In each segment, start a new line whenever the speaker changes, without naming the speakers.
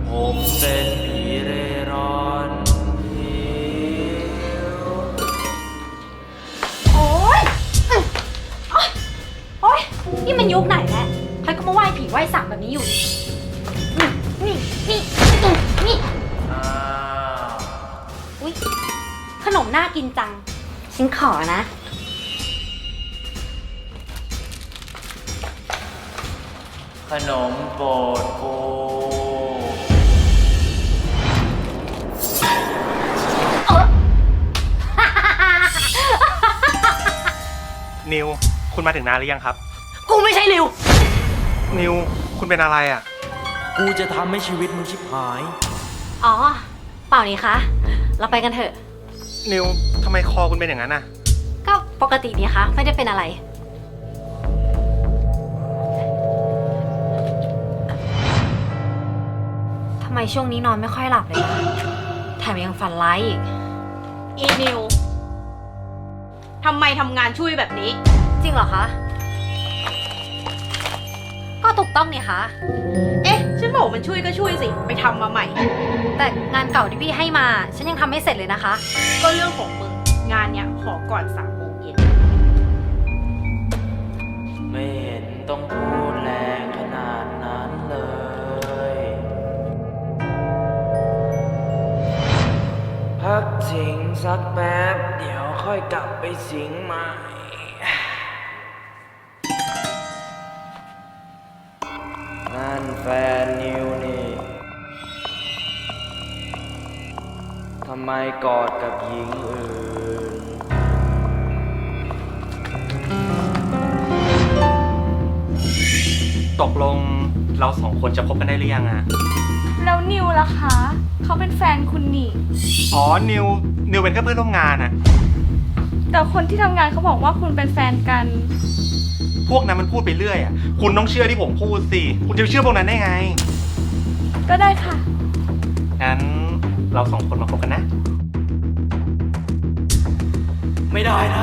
ผมเป็นผีเร่ร่อนหิว
โอ๊ยโอ๊ยนี่มันยุคไหนแล้วใครก็มาไหว้ผีไหว้สางแบบนี้อยู่นี่
อ้าว
อุ๊ยขนมน่ากินจังฉันขอนะ
ขนมโปรดกู
นิว คุณมาถึงนานหรือยังครับ
กูไม่ใช่ริว
นิว คุณเป็นอะไรอ่ะ
กูจะทำให้ชีวิตมึงชิบหาย
อ๋อ เปล่านี่คะ เราไปกันเถอะ
นิวทำไมคอคุณเป็นอย่างนั้นอ่ะ
ก็ปกตินี่คะ ไม่ได้เป็นอะไร ทำไมช่วงนี้นอนไม่ค่อยหลับเลยนะแถมยังฝันร้ายอีก
อีนิว ทำไมทำงานช่วยแบบนี้
จริงเหรอคะ ก็ถูกต้องนี่คะ
เอ๊ะ ฉันบอกมันช่วยก็ช่วยสิ ไปทำมาใหม่
แต่งานเก่าที่พี่ให้มา ฉันยังทำไม่เสร็จเลยนะคะ
ก็เรื่องของมึง งานเนี้ยขอก่อน3 โมงเย็น
ไม่เห็นต้องพูดแรงขนาดนั้นเลย พักสิงสักแป๊บ เดี๋ยวค่อยกลับไปสิงใหม่ นั่นแฟนนิวนี่ ทำไมกอดกับหญิงอื่น
ตกลงเราสองคนจะคบกันได้หรือยังอ่ะ
แล้วนิวล่ะคะ เขาเป็นแฟนคุณนี่
อ๋อ นิวเป็นแค่เพื่อนร่วมงานอ่ะ
แต่คนที่ทำงานเขาบอกว่าคุณเป็นแฟนกัน
พวกนั้นมันพูดไปเรื่อยอ่ะ คุณต้องเชื่อที่ผมพูดสิ คุณจะไปเชื่อพวกนั้นได้ไง
ก็ได้ค่ะ
งั้นเราสองคนมาคบกันนะ
ไม่ได้นะ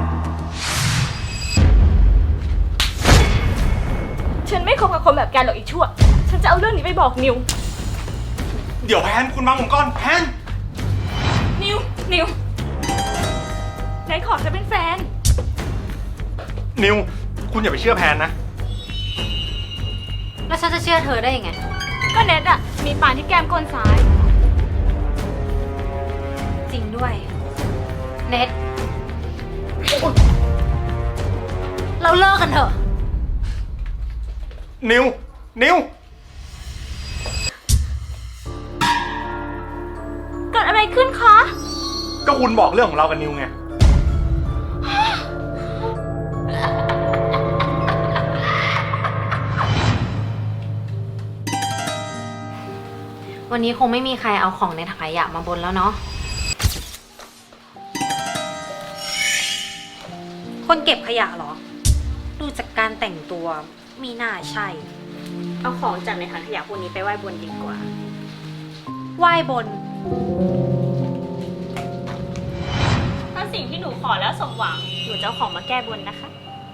ฉันไม่คบกับคนแบบแกหรอกอีชั่ว ฉันจะเอาเรื่องนี้ไปบอกนิว
เดี๋ยวแพนคุณฟังผมก่อนแพน
นิวไหนขอจะเป็นแฟน
นิว คุณอย่าไปเชื่อแพนนะ
แล้วฉันจะเชื่อเธอได้ยังไง
ก็เน็ตอะมีปานที่แก้มก้นซ้าย
จริงด้วย เน็ตเราเลิกกันเถอะ
นิว
เกิดอะไรขึ้นคะ
ก็คุณบอกเรื่องของเรากับนิวไง
วันนี้คงไม่มีใครเอาของในถังขยะมาบนแล้วเนาะ คนเก็บขยะเหรอ ดูจากการแต่งตัวมีน่าใช่
เอาของจากในถังขยะพวกนี้ไปไหว้บนดีกว่า
ไหว้บน
ถ้าสิ่งที่หนูขอแล้วสมหวัง หนูจะเอาของมาแก้บนนะคะ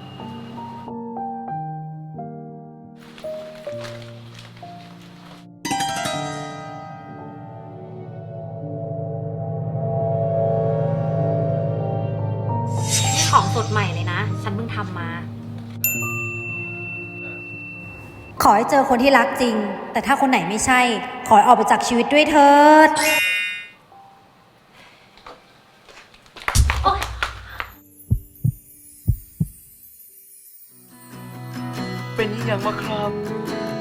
นี่ของสดใหม่เลยนะ ฉันเพิ่งทำมา ขอให้เจอคนที่รักจริง แต่ถ้าคนไหนไม่ใช่ ขอให้ออกไปจากชีวิตด้วยเถิด
เป็นยังวะครับ